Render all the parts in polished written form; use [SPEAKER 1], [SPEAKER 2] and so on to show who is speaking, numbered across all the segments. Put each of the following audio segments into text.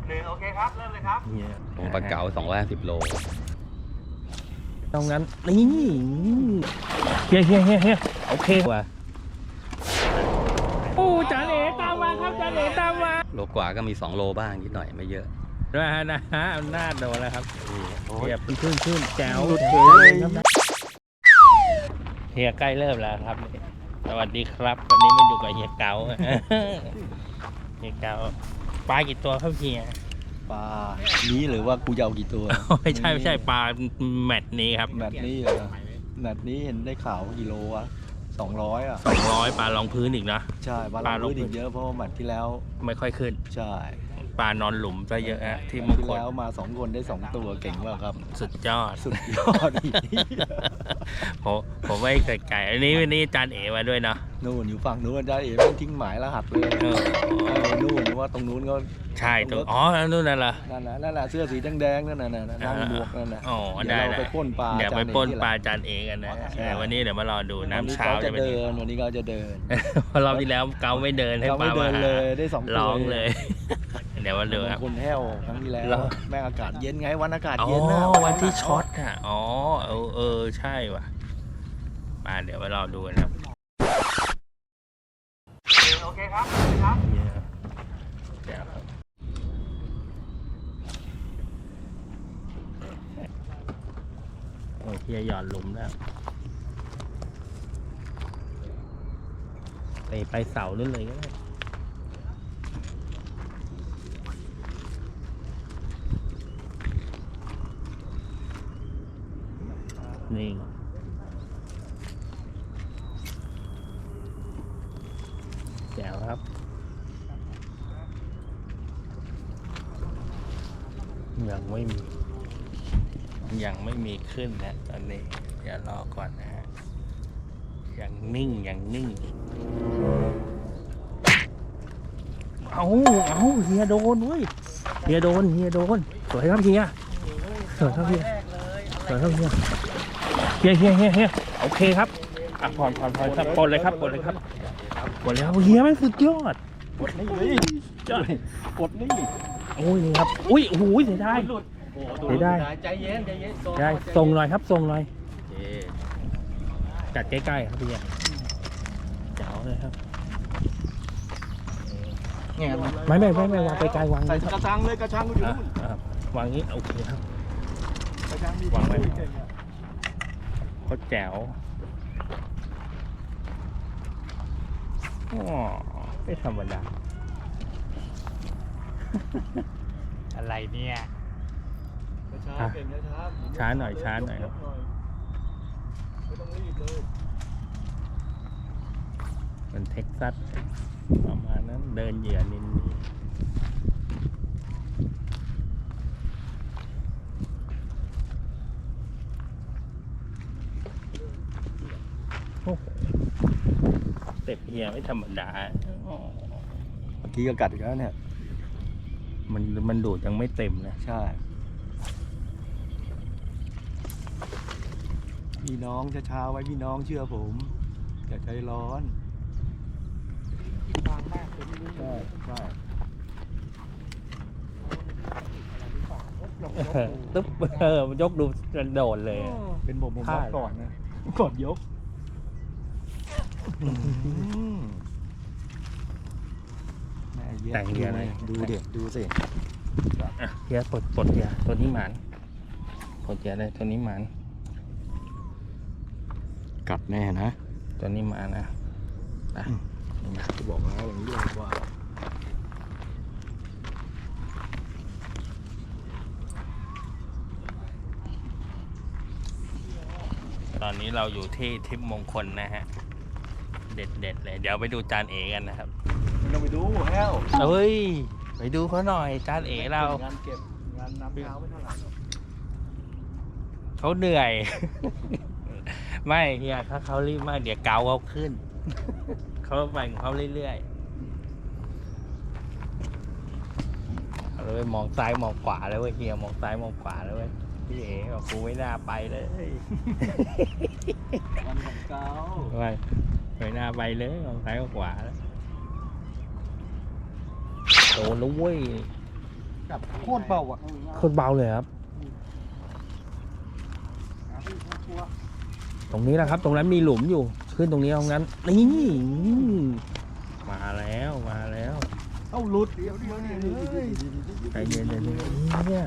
[SPEAKER 1] โอเคครับเริ่มเลยครับ
[SPEAKER 2] ปลาเก๋า250 โล
[SPEAKER 3] ตรงนั้นนี่เฮียโอเคว่ะโอ้จานเอ๋ตามมาครับจานเอ๋ตามมา
[SPEAKER 2] โลกว่าก็มี2 โลบ้างนิดหน่อยไม่เยอะ
[SPEAKER 3] ด้วยนะฮะอำนาจโดนแล้วครับเฮียขึ้นแจ๋วเฮียใกล้เริ่มแล้วครับสวัสดีครับวันนี้มาอยู่กับเฮียเก๋าเฮียเก๋าปลากี่ตัวครับเฮีย
[SPEAKER 4] ปลานี้หรือว่ากูจะเอากี่ตัว
[SPEAKER 3] ไม่ใช่ปลาแมตช์นี้ครับ
[SPEAKER 4] แมตช์นี้เหรอแมตช์นี้เห็นได้ข่าวกิโลอะ200 อ่ะ
[SPEAKER 3] 200ปลารองพื้นอีกนะ
[SPEAKER 4] ใช่ปลาลงพื้นอีกเยอะเพราะว่าแมตช์ที่แล้ว
[SPEAKER 3] ไม่ค่อยขึ้น
[SPEAKER 4] ใช่
[SPEAKER 3] ปลานอนหลุมซะเยอะฮะที่
[SPEAKER 4] แม
[SPEAKER 3] มุ
[SPEAKER 4] ตช์
[SPEAKER 3] ก
[SPEAKER 4] ที่
[SPEAKER 3] คน
[SPEAKER 4] แล้วมา2 คนได้2 ตัวเก่งมากครับ
[SPEAKER 3] สุดยอด
[SPEAKER 4] สุดยอดอีก
[SPEAKER 3] ผมไม่ไก่อันนี้จานเอ๋มาด้วยเนาะ
[SPEAKER 4] นู่นอยู่ฝั่งนู้นได้เอ๋ไม่ทิ้งหมายรหัสเลยนู่นว่าตรงนู้นก็
[SPEAKER 3] ใช่ตัวอ๋อนู่นนั่นเหรอ
[SPEAKER 4] นั่นแหละเสื้อสีแดงๆนั่นน่ะนั่งหมวกนั่นน่ะ
[SPEAKER 3] อ๋อ
[SPEAKER 4] เดี๋ยวเราไปปล้นปลา
[SPEAKER 3] เดี๋ยวไปปล้นปลาจานเอ๋กันนะแต่วันนี้เดี๋ยวมารอดูน้ำเช้า
[SPEAKER 4] จะ
[SPEAKER 3] จะเป็น
[SPEAKER 4] เดินวันนี้ก็จะเดิน
[SPEAKER 3] เพราะรอบที่แล้วเกาไม่เดินให้
[SPEAKER 4] เขา
[SPEAKER 3] ป
[SPEAKER 4] ไม่
[SPEAKER 3] ลา
[SPEAKER 4] เดิ
[SPEAKER 3] มาน หา
[SPEAKER 4] เลยได้2 ตัว
[SPEAKER 3] ร้องเลย เดี๋ยวมาดูครับ
[SPEAKER 4] คนแห้วครั้งที่แล้วแม่งอากาศเย็นไงวันอากาศ
[SPEAKER 3] อ๋อ
[SPEAKER 4] เย็นนะ
[SPEAKER 3] วันที่ช็อตอ่ะอ๋อใช่ว่ะมาเดี๋ยวมารอดูกันครับ
[SPEAKER 1] โอเคครับเริ่มเลยครับ
[SPEAKER 3] เดี๋ยวครับโอ้ยเฮียหย่อนหลุมแล้วไปเสานู่นเลยก็ได้นี่แจ๋วครับยังไม่มีขึ้นนะตอนนี้เดี๋ยวรอก่อนนะฮะยังนิ่งเอาเฮียโดนเว้ยเฮียโดนสวยครับเฮียเฮียโอเคครับอ่ะผ่อนครับปลดเลยครับเฮียไม่สุดยอด
[SPEAKER 4] กดนี่เลยกดนี่
[SPEAKER 3] โอ้ยนี่ครับอุ้ยโอ้โหเสียดาย
[SPEAKER 4] ใจเย็น
[SPEAKER 3] ได้ส่งหน่อยครับส่งหน่อยจัดใกล้ๆครับพี่เจ๋วเลยครับไม่วางไปไกลวาง
[SPEAKER 4] ใส่กระชังเลยกระชังอยู่นู่น
[SPEAKER 3] วางนี้โอเคครับ
[SPEAKER 4] กระชังมี
[SPEAKER 3] วางไว้เขาแจ๋วอ๋อไม่ธรรมดาอะไรเนี่ย ช้าหน่อยครับ
[SPEAKER 4] ไม่ต้องรีบเลย
[SPEAKER 3] มันเท็กซัสประมาณนั้นเดินเหยื่อนินนี่โอ้โหเต็บเฮียไม่ธรรมดา
[SPEAKER 4] เมื่อกี้ก็กัดอีกแล้วเนี่ย
[SPEAKER 3] มันดูดยังไม่เต็มนะ
[SPEAKER 4] ใช่พี่น้องช้าๆไว้พี่น้องเชื่อผมอย่าใจร้อนใช่
[SPEAKER 3] ตึ๊บมันยกดูโดดเลย
[SPEAKER 4] เป็นผมรับก่อนนะก่อนยกแม่เย็ด
[SPEAKER 3] แต่งเฮียอะไร
[SPEAKER 4] ดูสิ
[SPEAKER 3] เฮียปลดเฮียตัวนี้หมันปลดเฮียเลยตัวนี้หมัน
[SPEAKER 4] กัดแน่นะ
[SPEAKER 3] ตัวนี้หมานะ
[SPEAKER 4] จะบอกแล้วอย่างนี้เลยว่า
[SPEAKER 3] ตอนนี้เราอยู่ที่ทิพย์มงคลนะฮะเด็ดเลยเดี๋ยวไปดูจานเอกันนะครับ
[SPEAKER 4] เราไปดูแห้ว
[SPEAKER 3] เฮ้ยไปดูเขาหน่อยจานเอเรา
[SPEAKER 4] งานเก็บงานน้ำเท้าไม่เท่าไหร่
[SPEAKER 3] เขาเหนื่อย ไม่เฮียถ้าเขารีบมากเดี๋ยวเกาเขาขึ้น เขาไปของเขาเรื่อยๆเราไปมองซ้ายมองขวาแล้วเว้ยเฮียมองซ้ายมองขวาแล้วเว้ยพี่เอ๋บอกกูไม่น่าไปเลย
[SPEAKER 4] วันของเก้า
[SPEAKER 3] ไม่น่าไปเลยมองซ้ายมองขวาแล้วโดนแล้วเว้ย
[SPEAKER 4] กับโคตรเบาอ่ะ
[SPEAKER 3] โคตรเบาเลยครับ ตรงนี้แหละครับ ตรงนั้นมีหลุมอยู่ ขึ้นตรงนี้ตรงนั้นนี่มาแล้วมาแล้ว
[SPEAKER 4] เอ้าหลุดเดี๋ยว
[SPEAKER 3] ใจเย็นเลยเนี่ย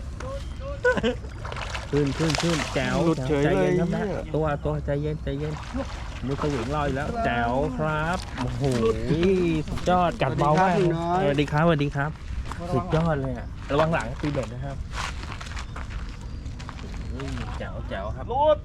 [SPEAKER 3] ขึ้นแจ๋ว
[SPEAKER 4] หลุดเฉย
[SPEAKER 3] ใจ
[SPEAKER 4] เลย
[SPEAKER 3] เย็นครับนะ
[SPEAKER 4] เนี่ย
[SPEAKER 3] ตัวใจเย็นมือสวิงลอยแล้วแจ๋วครับโอ้โหสุดยอดกัดเบามากสวัสดีครับสุดยอดเลยอ่ะระวังหลังตีเบ็ดนะครับแจ๋วครับ
[SPEAKER 4] หลุด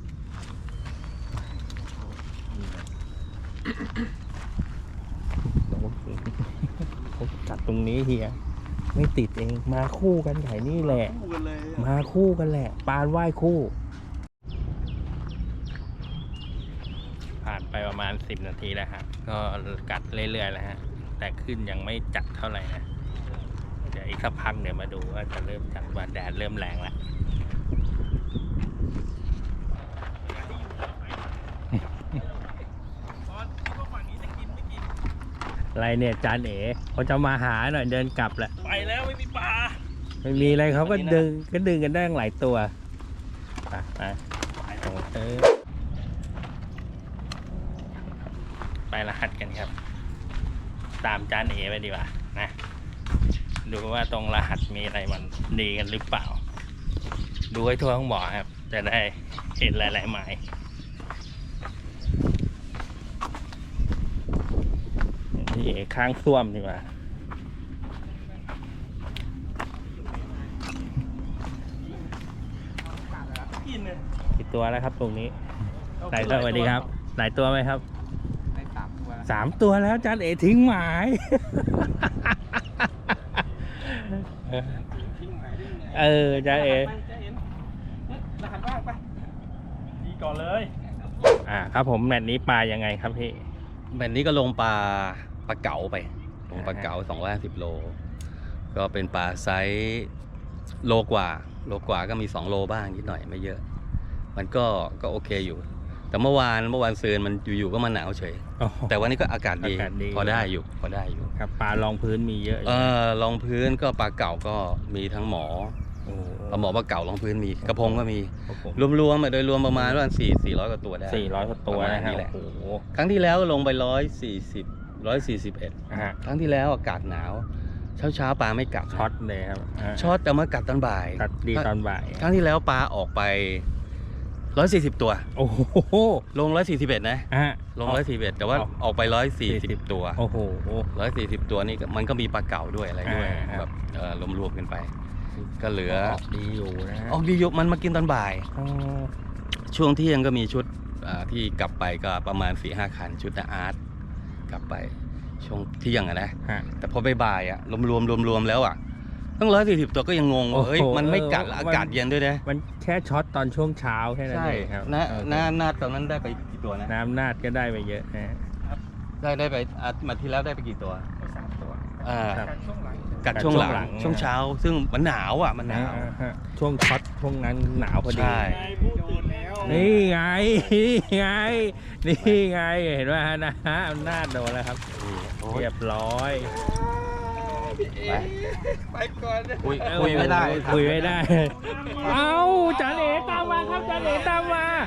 [SPEAKER 3] กัดตรงนี้เฮียไม่ติดเองมาคู่กันไข่นี่แหละ
[SPEAKER 4] คู่กันเลย
[SPEAKER 3] มาคู่กันแหละปานว่ายคู่ ผ่านไปประมาณ10 นาทีแล้วฮะก็กัดเรื่อยๆแล้วฮะแต่ขึ้นยังไม่จัดเท่าไหร่นะเดี๋ยวอีกสักพักเดี๋ยวมาดูว่าจะเริ่มจัดว่าแดดเริ่มแรงแล้วอะไรเนี่ยจานเอ๋เขาจะมาหาหน่อยเดินกลับแหละ
[SPEAKER 1] ไปแล้วไม่มีปลา
[SPEAKER 3] ไม่มีอะไรเขาก็ดึงกันได้หลายตัวไปไปรหัสกันครับ ตามจานเอไปดีกว่านะดูว่าตรงรหัสมีอะไรมันดีกันหรือเปล่า ดูให้ทั่วทั้งบ่อครับ จะได้เห็นหลายๆหมายนี่เอข้างส้วมดีกว่ากี่ตัวแล้วครับตรงนี้หลายตัวสวัสดีครับหลายตัวไหมครับได้3 ตัวแล้วจานเอทิ้งหมาย จานเอ
[SPEAKER 1] รหัสว่างไปดีก่อนเลย
[SPEAKER 3] ครับผมแมตช์นี้ปลายังไงครับพี่
[SPEAKER 2] แบบนี้ก็ลงปลาเก๋าไปลงปลาเก๋า250 โลก็เป็นปลาไซส์โลกว่าก็มี2 โลบ้างนิดหน่อยไม่เยอะ มันก็โอเคอยู่ แต่เมื่อวานซืนมันอยู่ๆก็มาหนาวเฉย แต่วันนี้ก็อากาศดีพอได้อยู่
[SPEAKER 3] ครับปลารองพื้นมีเยอะ
[SPEAKER 2] รองพื้นก็ปลาเก๋าก็มีทั้งหมอหมอปลาเก๋ารองพื้นมีกระพงก็มีรวมๆโดยรวมประมาณว่า400 กว่าตัวได้
[SPEAKER 3] 400 กว่าตัวนะครับ
[SPEAKER 2] โอ้โหครั้งที่แล้วลงไป141ครั้งที่แล้วอากาศหนาวเช้าปลาไม่กัด
[SPEAKER 3] ช็อตเลยครับ
[SPEAKER 2] ช็อตแต่มากัดตอนบ่าย
[SPEAKER 3] กัดดีตอนบ่าย
[SPEAKER 2] ครั้งที่แล้วปลาออกไป140 ตัว
[SPEAKER 3] โอ้โห
[SPEAKER 2] ลง141นะลง141แต่ว่าออกไป140 ตัว
[SPEAKER 3] โอ้โห
[SPEAKER 2] 140 ตัวนี่มันก็มีปลาเก๋าด้วยอะไรด้วยแบบรวมๆกันไปก็เหลือ
[SPEAKER 3] ออกดีอยู่นะ
[SPEAKER 2] ออกดีอยู่มันมากินตอนบ่ายช่วงเที่ยงก็มีชุดที่กลับไปก็ประมาณ 4-5 คันชุดอาร์ตกลับไปช่วงเที่ยงนะแต่พอบ่ายรวมแล้วตั้ง140 ตัวก็ยังงงว่าเฮ้ยมันไม่กัดอากาศเย็นด้วยนะ
[SPEAKER 3] มันแค่ช็อตตอนช่วงเช้าแค่นั้นเองครับ
[SPEAKER 2] นาดตอนนั้นได้ไปกี่ตัวนะ
[SPEAKER 3] น้ำนาดก็ได้ไปเยอะนะ
[SPEAKER 2] ได้ไปมาที่แล้วได้ไปกี่ตัว
[SPEAKER 1] 3 ตัว
[SPEAKER 2] กัดช่วงหลังช่วงเช้าซึ่งมันหนาวมันหนาว
[SPEAKER 3] ช่วงช็อตช่วงนั้นหนาวพอดีนี่ไงเห็นว่านะหน้าโดนแล้วครับเรียบร้อย
[SPEAKER 1] ไปก่อน
[SPEAKER 2] คุยไม่ได้
[SPEAKER 3] เอ้าจานเอ๋ตามมาครับจานเอ๋ตามมาย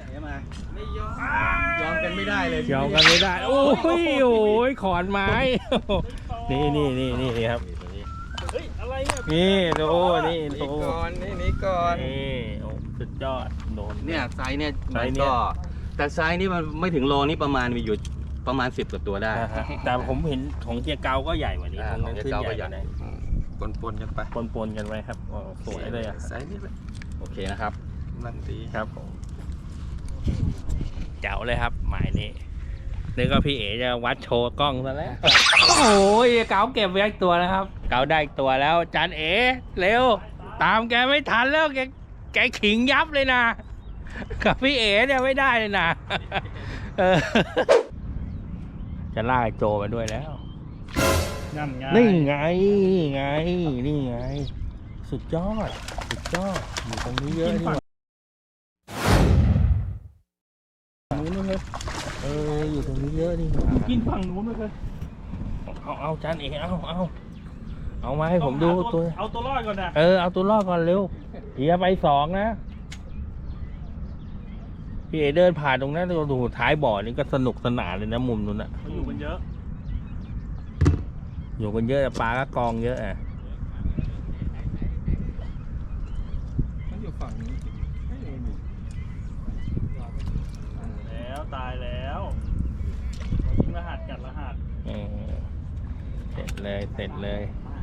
[SPEAKER 2] อมกันไม่ได้เลย
[SPEAKER 3] ยอมกันไม่ได้โอ้ยขอนไม้นี่ครับ
[SPEAKER 1] เฮ้ยอะไรเนี่ย
[SPEAKER 3] นี่ดูนี่
[SPEAKER 1] ก่อนนี่
[SPEAKER 3] สุดยอดโดน
[SPEAKER 2] เนี่ยไซส์เนี่ยมันก็แต่ไซส์นี่มันไม่ถึงโลนี่ประมาณมีอยู่ประมาณ10 กว่าตัวได้
[SPEAKER 3] แต่ผมเห็นของเกียร์เกาก็ใหญ่กว่านี้
[SPEAKER 2] ของเกียร์เกาก็ใหญ่
[SPEAKER 1] ปนกันไป
[SPEAKER 3] ปนกันไว้ครับสวยเลย
[SPEAKER 1] ไซส์นี่
[SPEAKER 2] โอเคนะครับ
[SPEAKER 1] นั่นดี
[SPEAKER 3] ครับผมเจ๋วเลยครับหมายนี้นึกว่าพี่เอ๋จะวัดโชว์กล้องซะแล้วโอ้ยเก๋าเก็บไว้อีกตัวนะครับเก๋าได้อีกตัวแล้วจานเอ๋เร็วตามแกไม่ทันแล้วแกขิงยับเลยนะกับพี่เอ๋เนี่ยไม่ได้เลยนะจะลากโจมาด้วยแล้วนี่ไงสุดยอดอยู่ตรงนี้เยอะนี่นู้นเลยอยู่ตรงนี้เยอะนี่
[SPEAKER 1] กินฝั่งนู้นเลย
[SPEAKER 3] เอาจานเอ๋เอาเอามาให้ผมดู
[SPEAKER 1] ต้องหา
[SPEAKER 3] ตัว
[SPEAKER 1] เอาตัวรอดก่อนนะ
[SPEAKER 3] เอาตัวรอดก่อนเร็วเฮียไป2นะพี่เอเดินผ่านตรงนั้นดูท้ายบ่อนี่ก็สนุกสนานเลยนะมุมนู้นอะ
[SPEAKER 1] เขาอยู่กันเยอะ
[SPEAKER 3] อยู่กันเยอะแต่ปลาก็กองเยอะอ่ะ
[SPEAKER 4] มันอยู่ฝั่งนี้ไม่มี
[SPEAKER 1] แล้วตายแล้วทิ้งรหัสกัดรหัส
[SPEAKER 3] เสร็จเลยเสร็จเลย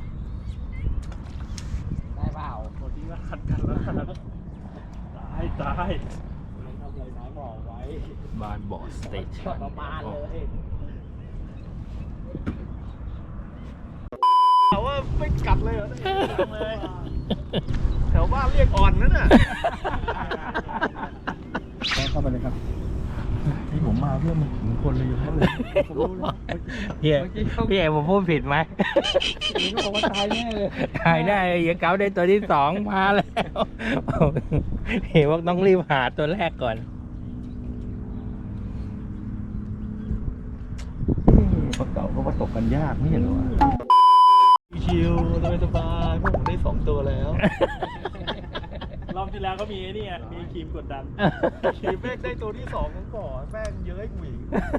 [SPEAKER 1] ได้เปล่าทิ้งรหัสกัดรหัสตาย
[SPEAKER 4] ทำอะไรน้อยบอกไว้
[SPEAKER 3] บ้านบ่อสเตชัน
[SPEAKER 1] ประมาณเลย
[SPEAKER 4] ถามว่าไม่กัดเลยเหรอเลยแถวบ้านเรียกอ่อนนั่นน่ะเข้าไปเลยครับที่ผมมาเพื่อมันถึงคนเลยอยู่แล้วเลยผมรู้แล้ว
[SPEAKER 3] พี่เอผมพูดผิดไหม
[SPEAKER 4] นี่ก็บอกว่าตายแน่เลย
[SPEAKER 3] ตายได้เฮียเก๋าได้ตัวที่2มาแล้วเห็นว่าต้องรีบหาตัวแรกก่อน
[SPEAKER 4] ปลาเก๋าก็ประสบกันยากไม่เห็นหรอชิวสบายๆพวกผมได้2ตัวแล้ว
[SPEAKER 1] รอบที่แล้วก็มีไอ้นี่มีครีมกดดัน
[SPEAKER 4] ขีแม่งได้ตัวที่2ของก่อนแม่งเยอะให้กูอีก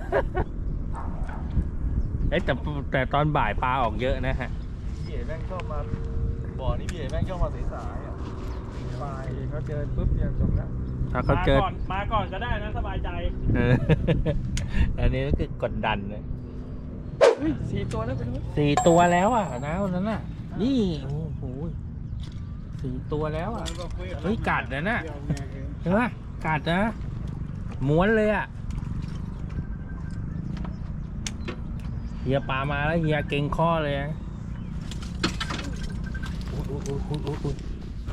[SPEAKER 3] แต่ตอนบ่ายปลาออกเยอะนะฮะ
[SPEAKER 4] พี่เอ๋แม่งชอบมาบ่อนี่พี่เอ๋แม่งชอบมาสายๆอ่ะปลายเขาเจอปุ๊บเนี่ยจบแล้ว
[SPEAKER 3] ถ้าเขาเจอ
[SPEAKER 1] มาก่อนก็ได้นะสบายใจ
[SPEAKER 3] อันนี้ก็คือกดดันเลย
[SPEAKER 4] เฮ้ย4 ตัวแล้วไปดู
[SPEAKER 3] 4 ตัวแล้วอ่ะนะวันนั้นน่ะ นี่โอ้โห4 ตัวแล้วอ่ะ เฮ้ยกัดนะน่ะ เห็นปะกัดนะม้วนเลยอ่ะเฮียปลามาแล้วเฮียเก่งข้อเลยนะอุ๊ย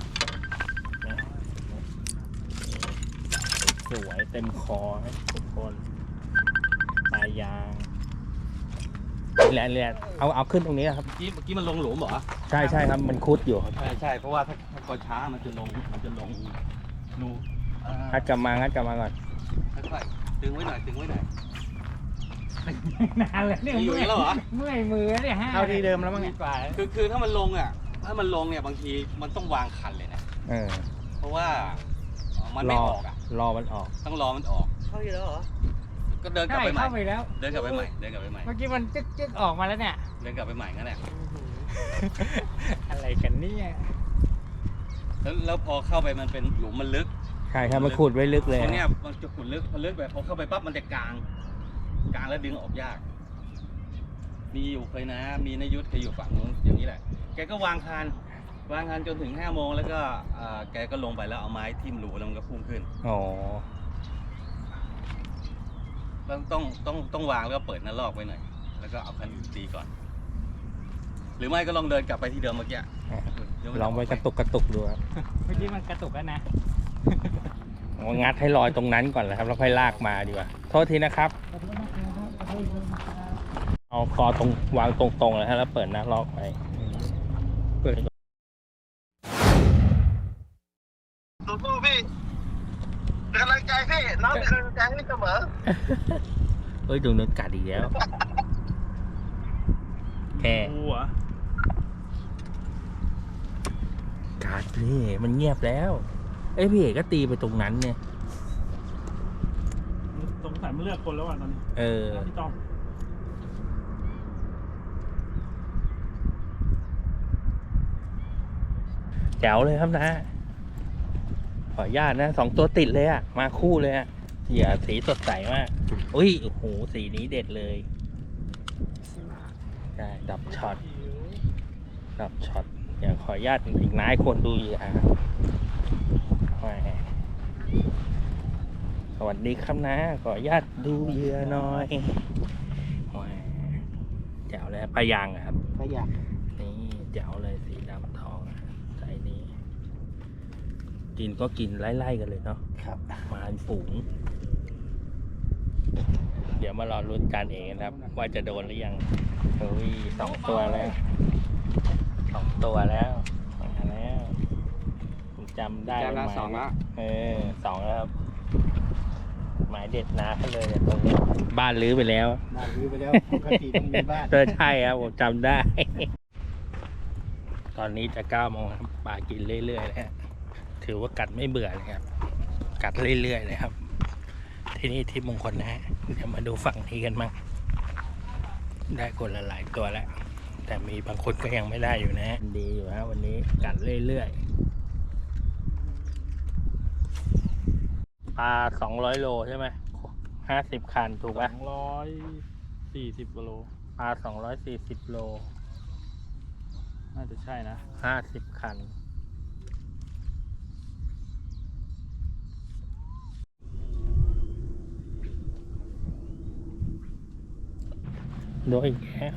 [SPEAKER 3] สวยเต็มคอนะทุกคนปลายางแหละเอาขึ้นตรงนี้ครับ
[SPEAKER 2] เมื่อกี้มันลงหลุมเหรอ
[SPEAKER 3] ใช่ครับมันคุดอยู่ครับ
[SPEAKER 2] ใช่เพราะว่าถ้าพอช้ามันจะลงรู
[SPEAKER 3] งัดกลับมาก่อน
[SPEAKER 2] ค่อยๆดึงไว้หน่อย
[SPEAKER 3] นานแล้วเนี่ย
[SPEAKER 2] อยู่อย่างนี้แล้วเหรอ
[SPEAKER 3] เมื่อยมือเนี่ยฮะเอาทีเดิมแล้วมั้งเนี่ย
[SPEAKER 2] คือถ้ามันลงอ่ะเนี่ยบางทีมันต้องวางคันเลยนะ เพราะว่ามันไม่ออกอ่ะ
[SPEAKER 3] รอมันออก
[SPEAKER 2] ต้องรอมันออก
[SPEAKER 4] เข้าอยู่แล้วเหรอ
[SPEAKER 2] ก็เดินกลับไปใหม่
[SPEAKER 3] เข้าไปแล้ว
[SPEAKER 2] เดินกลับไปใหม่
[SPEAKER 3] เมื่อกี้มันจึ๊กออกมาแล้วเนี่ย
[SPEAKER 2] เดินกลับไปใหม่งั้นแหละ
[SPEAKER 3] อะไรกันเนี่ย
[SPEAKER 2] แล้วพอเข้าไปมันเป็นหลุมมันลึก
[SPEAKER 3] ใช่ครับมันขุดไว้ลึกเลย
[SPEAKER 2] ตรงเนี้ยมันจะขุดลึกพอลึกไปพอเข้าไปปั๊บมันจะกลางแล้วดึงออกยาก มีอยู่เคยนะ มีนายยุทธเคยอยู่ฝั่งนู้นอย่างนี้แหละ แกก็วางคานจนถึง5 โมงแล้วก็แกก็ลงไปแล้วเอาไม้ทิ่มรูแล้วมันก็พุ่งขึ้น
[SPEAKER 3] อ๋อ
[SPEAKER 2] ต้องวางแล้วก็เปิดหน้าลอกไว้หน่อย แล้วก็เอาคันอื่นตีก่อน หรือไม่ก็ลองเดินกลับไปที่เดิมเมื่อกี้
[SPEAKER 3] ลองไปกระตุกดูครับ
[SPEAKER 1] เมื่อกี้มันกระตุกแล้วนะ
[SPEAKER 3] เอางัดให้ลอยตรงนั้นก่อนแล้วครับแล้วค่อยลากมาดีกว่า โทษทีนะครับ เอาคอตรงวางตรงๆเลยฮะแล้วเปิดหน้าลอกไปเปิด
[SPEAKER 5] สู้ๆพี่เป็นกำลังใจพี่น้องเป็นกำลังใจให้เสมอ
[SPEAKER 3] เฮ้ยตรงนู้นกัดอีกแล้วแค่
[SPEAKER 1] กูเหรอ
[SPEAKER 3] กัดพี่มันเงียบแล้ว พี่เอกก็ตีไปตรงนั้นเนี่ย
[SPEAKER 1] สงสัยมันเลือกคนแล้วอ่ะตอนนี้พี่ต้อม
[SPEAKER 3] แจ๋วเลยครับนะ ขออนุญาตนะ2 ตัวติดเลยอะมาคู่เลยอะสีสดใสมากอุ้ยโอ้โหสีนี้เด็ดเลยใช่ดับช็อตอยากขออนุญาตอีกนายคนดูอยู่สวัสดีครับนะ ขออนุญาตดูเหยื่อหน่อยแจ๋วเลยพยางครับ
[SPEAKER 4] ไม่อยาก
[SPEAKER 3] นี่แจ๋วเลยสีดำทองใสนี้ กินก็กินไล่ๆกันเลยเนาะ
[SPEAKER 4] ครับ
[SPEAKER 3] มาเป็นฝูง เดี๋ยวมารอลุ้นกันเองนะครับ ว่าจะโดนหรือยังเฮ้ย2 ตัวแล้ว2 ตัวแล้วมาแล้วผมจำได้
[SPEAKER 2] จำได้
[SPEAKER 3] หมาย
[SPEAKER 2] 2 แล้ว
[SPEAKER 3] 2 แล้วครับ หมายเด็ดนะกันเลยเนี่ยตรงนี้ บ้านรื้อไปแล้ว
[SPEAKER 4] บ้านรื้อไปแล้วปกติต้องมีบ้าน
[SPEAKER 3] ใช่ครับผมจำได้ตอนนี้จะ9 โมงครับปลากินเรื่อยๆเลยฮะถือว่ากัดไม่เบื่อเลยครับกัดเรื่อยๆเลยครับที่นี่ที่มงคลนะฮะเดี๋ยวมาดูฝั่งนี้กันบ้างได้คนละหลายตัวแล้วแต่มีบางคนก็ยังไม่ได้อยู่นะฮะดีอยู่ฮะวันนี้กัดเรื่อยๆปลา200 โลใช่ไหม50 คันถูกป่ะ
[SPEAKER 1] 240กิโล
[SPEAKER 3] ปลา240 โล
[SPEAKER 1] น่าจะใช่นะ
[SPEAKER 3] 50 คันโดยอีกแล้ว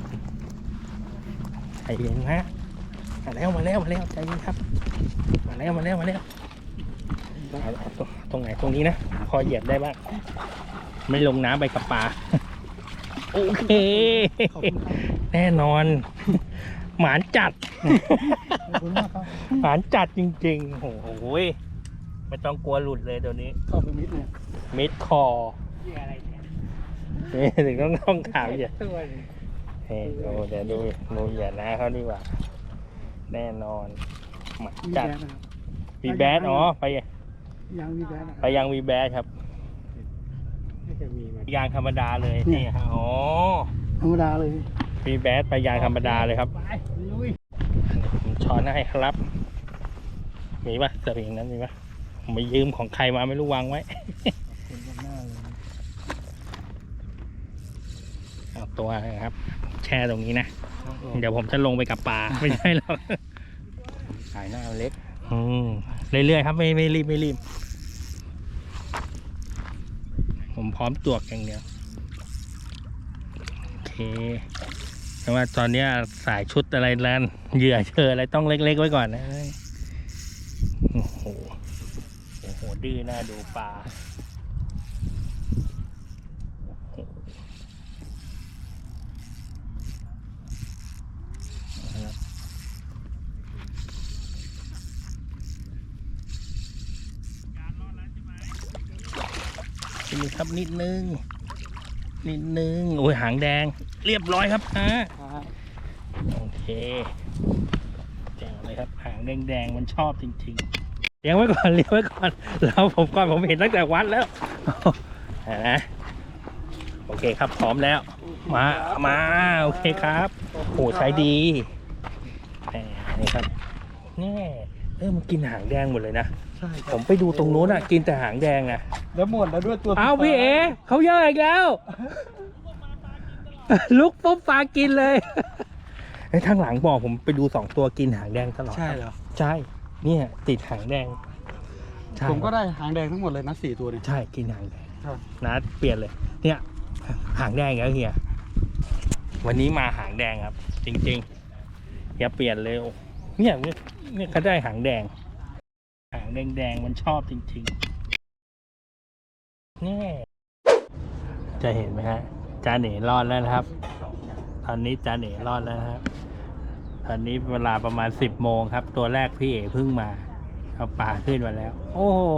[SPEAKER 3] ใจเย็นนะมาแล้วใจเย็นครับมาแล้วเอาตรงไหนตรงนี้นะพอเหยียบได้บ้างไม่ลงน้ำไปกับปลาโอเคแน่นอนหมานจัดหมานจัดจริงๆโอ้โหไม่ต้องกลัวหลุดเลยตัวนี้
[SPEAKER 1] เข้าไปมิดเลย
[SPEAKER 3] มิดคอนี่ถึงต้องถามอย่าเฮ้ยเดี๋ยวดูอย่านะเขาดีกว่าแน่นอนหมานจัดวีแบดอ๋อไป
[SPEAKER 1] ยังมีแบน
[SPEAKER 3] ไปยังวีแบดครับ
[SPEAKER 1] ไม่เคยมีมาย
[SPEAKER 3] างธรรมดาเลยนี่ฮะอ๋อ
[SPEAKER 1] ธรรมดาเลย
[SPEAKER 3] วีแบดไปยางธรรมดาเลยครับผมช้อนให้ครับมีปะสวิงนั้นมีปะผมไปยืมของใครมาไม่รู้วางไว้เอาตัวนะครับ แช่ตรงนี้นะเดี๋ยวผมจะลงไปกับปลาไม่ใช่หรอก
[SPEAKER 4] สายหน้าเล็ก
[SPEAKER 3] เรื่อยๆครับไม่รีบผมพร้อมจวกอย่างเดียวโอเคแต่ว่าตอนนี้สายชุดอะไรแล้วเหยื่อเชออะไรต้องเล็กๆไว้ก่อนนะโอ้โหดื้อหน้าดูปลานี่ครับนิดนึงโอ้ยหางแดงเรียบร้อยครับโอเคแจ๋งเลยครับหางแดงมันชอบจริงๆเลี้ยงไว้ก่อนแล้วผมเห็นตั้งแต่วัดแล้วนะโอเคครับพร้อมแล้วมาโอเคครับโอ้ใช้ดีนี่ครับนี่มันกินหางแดงหมดเลยนะผมไปดูตรงโน้นอ่ะกินแต่หางแดงอ่ะ
[SPEAKER 1] แล้วหมดแล้วด้วยตัว
[SPEAKER 3] เอาพี่เอเขาเยอะอีกแล้ว ลุกปุ๊บปลากินเลยไอ้ทางหลังบอกผมไปดู2 ตัวกินหางแดงตลอด
[SPEAKER 1] ใช่เหรอ
[SPEAKER 3] ใช่เนี่ยติดหางแดง
[SPEAKER 1] ผมก็ได้หางแดงทั้งหมดเลยนะ4 ตัวเนี่ย
[SPEAKER 3] ใช่กินหางแดง
[SPEAKER 1] ครับ
[SPEAKER 3] นัดเปลี่ยนเลย เนี่ยหางแดงแล้วเฮียวันนี้มาหางแดงครับ จริงๆอย่าเปลี่ยนเลยเนี่ยเขาได้หางแดงมันชอบจริงๆนี่จะเห็นไหมฮะจาเหน่รอดแล้วนะครับตอนนี้จาเหน่รอดแล้วนะครับตอนนี้เวลาประมาณ10 โมงครับตัวแรกพี่เอ๋เพิ่งมาเอาปลาขึ้นมาแล้วโอ้โห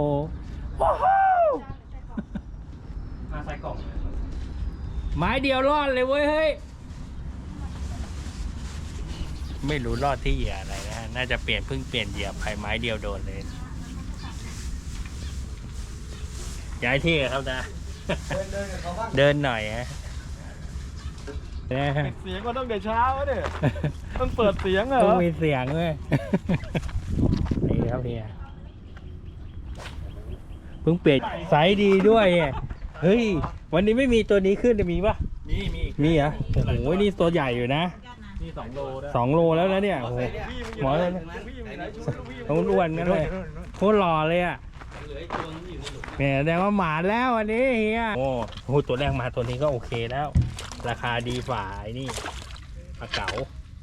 [SPEAKER 1] มาใส่กล่อง
[SPEAKER 3] ไม้เดียวรอดเลยเว้ยเฮ้ยไม่รู้รอดที่เหยื่ออะไรนะฮะน่าจะเพิ่งเปลี่ยนเหยื่อไปไม้เดียวโดนเลยย้ายที่ครับนะเดินหน่อยฮะ
[SPEAKER 1] เสียงก็ต้องเดี๋ยวเช้าเนี่ยต้องเปิดเสียงเหรอ
[SPEAKER 3] ต้องมีเสียงด้วยนี่ครับเฮียเพิ่งเปลี่ยนไซส์ดีด้วยเฮ้ยวันนี้ไม่มีตัวนี้ขึ้นจะมีปะมีเหรอโอ้โหนี่ตัวใหญ่อยู่นะ
[SPEAKER 1] นี่2 โลนะ
[SPEAKER 3] 2 โลแล้วนะเนี่ยโอ้โหหมอเลยต้องอ้วนกันเลยโคตรหล่อเลยอ่ะเนี่ยแสดงว่าหมาแล้ววันนี้เฮียโอ้โหตัวแรกมาตัวนี้ก็โอเคแล้ว ราคาดีฝ่าไอ้นี่ปลาเก๋า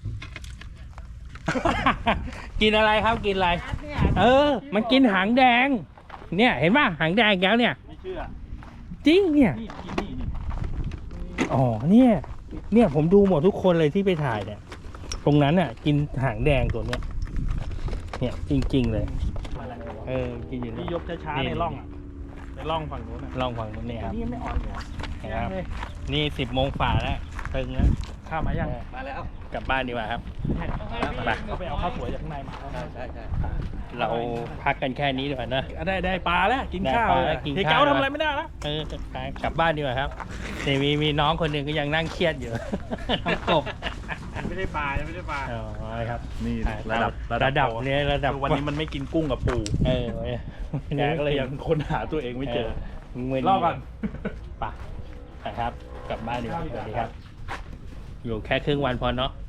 [SPEAKER 3] กินอะไรครับกินอะไรมันกินหางแดงเนี่ยเห็นป่ะหางแดงแล้วเนี่ย
[SPEAKER 1] ไม่เชื่อ
[SPEAKER 3] จริงเนี่ย
[SPEAKER 1] นี่
[SPEAKER 3] อ๋อเนี่ยผมดูหมดทุกคนเลยที่ไปถ่ายเนี่ยตรงนั้นน่ะกินหางแดงตัวเนี้ยเนี่ยจริงๆเลยกินอยู่
[SPEAKER 1] นี่ยกช้าๆในร่องอ่ะในร่องฝั่งนู้นนะ
[SPEAKER 3] ลองฟังดูเนี่ยครับ
[SPEAKER 1] นี่ไม่อ่อนเหรอ
[SPEAKER 3] ครับนี่10 โมงฝ่าแล้วตึงแล้ว
[SPEAKER 1] ข้ามมายัง
[SPEAKER 3] มาแล้วกลับบ้านดีกว่าครับ ไป
[SPEAKER 1] เขาไปเอาข้าวสวยจากข้างในมา
[SPEAKER 2] ใช่
[SPEAKER 3] เราพักกันแค่นี้ดีกว่านะ
[SPEAKER 1] ได้ปลาแล้วกินข้าว
[SPEAKER 3] ได้ปลาแล้วกินข้าว
[SPEAKER 1] เฮ้ยเก้าทำอะไรไม่ได้แล้ว
[SPEAKER 3] ไปกลับบ้านดีกว่าครับนี่มีน้องคนหนึ่งก็ยังนั่งเครียดอยู่ น้องกบ
[SPEAKER 1] ไม่ได้ปลายังไม่ได้ปลา
[SPEAKER 3] อ๋อครับ
[SPEAKER 4] นี่
[SPEAKER 3] ระดับเนี่ยระดับ
[SPEAKER 1] วันนี้มันไม่กินกุ้งกับปู
[SPEAKER 3] เออ
[SPEAKER 1] แกก็เลยยังค้นหาตัวเองไม่เจอ
[SPEAKER 3] มึน
[SPEAKER 1] รอก่อน
[SPEAKER 3] ไปครับ กลับบ้านดีกว่าสวัสดีครับ อยู่แค่ครึ่งวันพอเนาะ